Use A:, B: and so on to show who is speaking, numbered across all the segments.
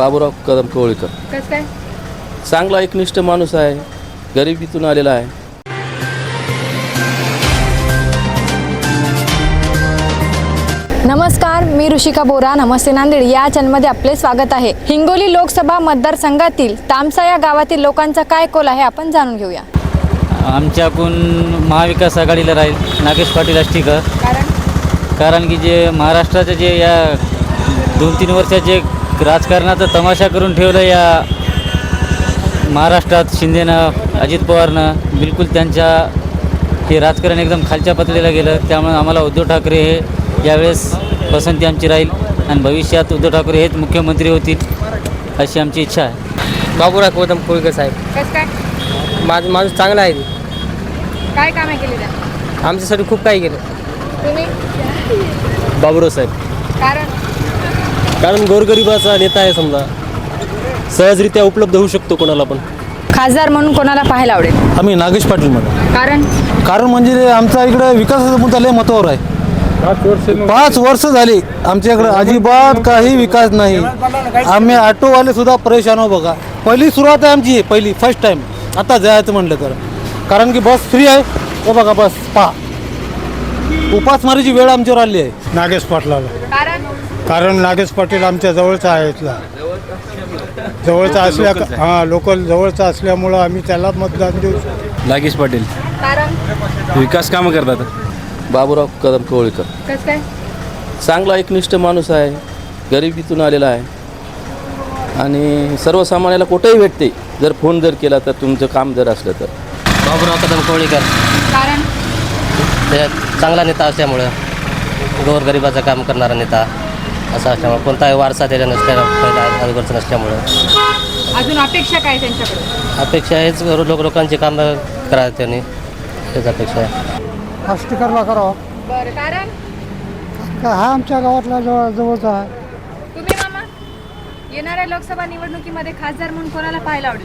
A: बाबूराव कदम कोळीकर.
B: कसं काय?
A: चांगला एकनिष्ठ माणूस आहे, गरिबीतून आलेला आहे.
B: नमस्कार, मी ऋषिका बोरा. नमस्ते नांदेड या चॅनलमध्ये आपले स्वागत आहे. हिंगोली लोकसभा मतदारसंघातील तामसा या गावातील लोकांचा काय कौल आहे आपण जाणून घेऊया.
C: आमच्याकडून महाविकास आघाडीला राहील नागेश पाटील आष्टीकर. कारण की जे महाराष्ट्राचं जे या 2-3 वर्षात जे राजकारणाचा तमाशा करून ठेवलं या महाराष्ट्रात शिंदेनं, अजित पवारनं, बिलकुल त्यांच्या हे राजकारण एकदम खालच्या पातळीला गेलं. त्यामुळे आम्हाला उद्धव ठाकरे हे यावेळेस पसंती आमची राहील आणि भविष्यात उद्धव ठाकरे हेच मुख्यमंत्री होतील अशी आमची इच्छा आहे.
D: बाबूराव कदम कोळीकर साहेब.
B: कसं काय?
D: माणूस चांगला आहे.
B: काय कामे केली त्या?
D: आमच्यासाठी खूप काही केलं.
B: तुम्ही?
E: बाबूराव साहेब. कारण गोरगरिबाचा नेता आहे, समजा सहजरित्या उपलब्ध होऊ शकतो कोणाला पण.
B: खासदार म्हणून कोणाला पाहायला आवडेल?
F: आम्ही नागेश पाटील म्हणतो.
B: कारण
F: म्हणजे आमचा इकडे विकासाचा मुद्दा लय महत्त्वावर आहे. 5 वर्ष झाली आमच्या इकडे अजिबात काही विकास नाही. आम्ही ऑटोवाले सुद्धा परेशान हो. बघा, पहिली सुरुवात आहे आमची, फर्स्ट टाइम आता जायचं म्हटलं तर. कारण की बस फ्री आहे. हो बघा, बस पहा, उपासमारीची वेळ आमच्यावर आली आहे.
G: नागेश पाटलाला. कारण नागेश पाटील आमच्या जवळचा आहे, इथला जवळचा असल्या लोकल जवळचा असल्यामुळं आम्ही त्याला मतदान देऊ.
A: नागेश पाटील. विकास कामं करतात. बाबूराव कदम कोळीकर.
B: कसं काय?
A: चांगला एकनिष्ठ माणूस आहे, गरिबीतून आलेला आहे आणि सर्वसामान्याला कुठेही भेटते. जर फोन जर केला तर, तुमचं काम जर असलं तर.
D: बाबूराव कदम कोळीकर.
B: कारण
D: ते चांगला नेता असल्यामुळं, गोरगरिबाचं काम करणारा नेता असा असल्यामुळं, कोणताही वारसा त्याच्या अगोदरचं नसल्यामुळं.
B: अजून अपेक्षा काय त्यांच्याकडे?
D: अपेक्षा हेच लोकांची कामं करा त्यांनी, त्याच अपेक्षा आहे.
G: आष्टीकरला करावं.
B: बरं, कारण
G: हा आमच्या गावातला जवळचा आहे.
B: तुम्ही मामा येणाऱ्या लोकसभा निवडणुकीमध्ये खासदार म्हणून कोणाला पाहायला आवडेल?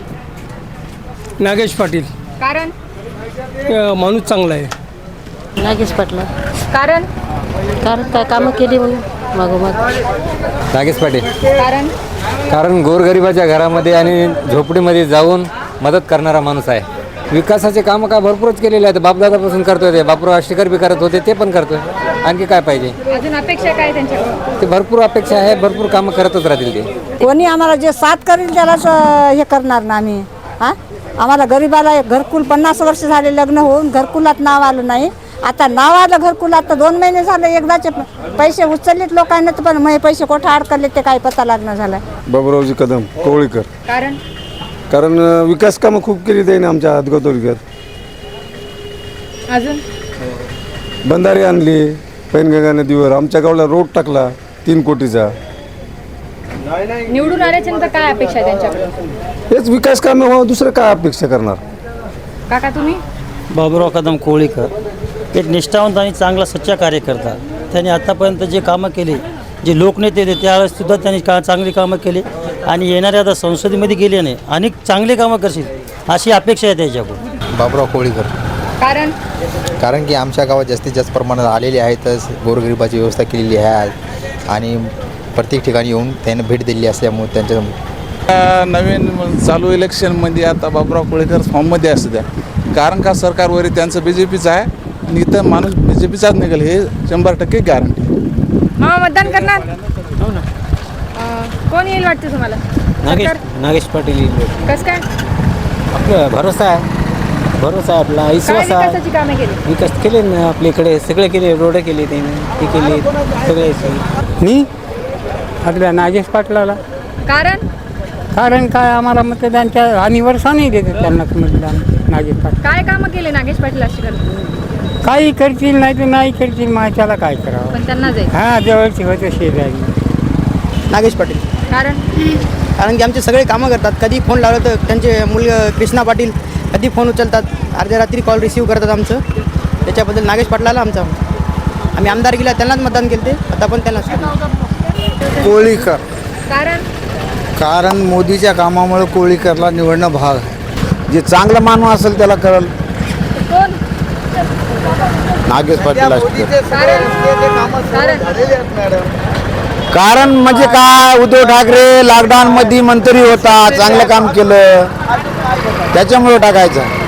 E: नागेश पाटील.
B: कारण
E: माणूस चांगला आहे.
H: नागेश पाटला.
B: कारण
H: काय कामं केली म्हणून मागोमाग.
I: नागेश पाटील.
B: कारण
I: गोरगरिबाच्या घरामध्ये आणि झोपडीमध्ये जाऊन मदत करणारा माणूस आहे. विकासाचे कामं काय भरपूरच केलेले आहेत. बापदादापासून करतोय, ते बापूराव आष्टीकर बी करत होते, ते पण करतोय. आणखी काय पाहिजे?
B: अजून अपेक्षा काय त्यांच्याकडे?
I: ते भरपूर अपेक्षा आहे, भरपूर कामं करतच राहतील ते.
H: कोणी आम्हाला जे साथ करेल त्यालाच हे करणार ना आम्ही. आम्हाला गरीबाला घरकुल 50 वर्ष झाले लग्न होऊन घरकुलात नाव आलं नाही. आता नाव आलं घरकुलात तर 2 महिने झाले. एकदाचे पैसे उचललेत लोकांना, तर पण मग पैसे कुठं अडकले ते काय पता लागणं झालं.
G: बाबूरावजी कदम कोळीकर. कारण विकास कामं खूप केली त्याने आमच्या हातगोतोलीकर.
B: अजून
G: बंधारे आणली, पैनगंगा नदीवर आमच्या गावाला रोड टाकला 3 कोटीचा.
B: निवडून आल्याच्यानंतर काय अपेक्षा आहे त्यांच्याकडे?
G: हेच विकास कामे हो, दुसरं काय अपेक्षा करणार.
B: काका तुम्ही?
C: बाबूराव कदम कोळीकर एक निष्ठावंत आणि चांगला सच्चा कार्यकर्ता. त्यांनी आत्तापर्यंत जे कामं केली, जे लोकनेते होते त्यावेळेससुद्धा त्यांनी चांगली कामं केली आणि येणाऱ्या आता संसदेमध्ये गेले नाही अनेक चांगले कामं करतील अशी अपेक्षा आहे त्याच्याकडून.
I: बाबूराव कोळीकर.
B: कारण
I: की आमच्या गावात जास्तीत जास्त प्रमाणात आलेले आहेतच. गोरगरिबाची व्यवस्था केलेली आहे आणि प्रत्येक ठिकाणी येऊन त्यांना भेट दिली असल्यामुळे त्यांच्या
J: नवीन चालू इलेक्शनमध्ये आता बाबूराव कोळीकर फॉर्ममध्ये असू द्या. कारण का सरकारवर त्यांचं BJPचं आहे आणि इथं माणूस BJPचाच निघेल हे 100% गॅरंटी.
B: मामा मतदान करणार? कोण येईल वाटतं तुम्हाला?
C: नागेश पाटील.
B: कसं काय?
C: आपलं भरोसा आहे आपला, विश्वास आहे.
B: विकासाची कामे केली?
C: विकास केले ना आपल्याकडे, सगळे केले. रोड केले त्यांनी, ते केले सगळे.
E: मी आपल्या नागेश पाटलाला.
B: कारण
E: काय आम्हाला मतदानच्या हानीवर नाही देते त्यांना मतदान. नागेश पाटील
B: काय कामं केले नागेश पाटील आष्टीकर?
E: काही करतील नाही तर नाही करतील, त्याला काय करावं.
B: पण त्यांना जाईल.
E: जवळची होतं शेजारी.
D: नागेश पाटील. कारण की आमचे सगळे कामं करतात. कधी फोन लावलं तर त्यांचे मुलगा कृष्णा पाटील कधी फोन उचलतात, अर्ध्या रात्री कॉल रिसीव्ह करतात आमचं. त्याच्याबद्दल नागेश पाटलाला आमचा आम्ही आमदारकीला त्यांनाच मतदान केले, आता पण त्यांनाच.
G: कोळीकर.
F: कारण मोदीच्या कामामुळे कोळीकरला निवडणं भाग आहे. जे चांगला मानव असेल त्याला कळल.
G: नागेश पाटील.
K: कारण म्हणजे काय, उद्धव ठाकरे लॉकडाऊन मध्ये मंत्री होता, चांगलं काम केलं, त्याच्यामुळे टाकायचं.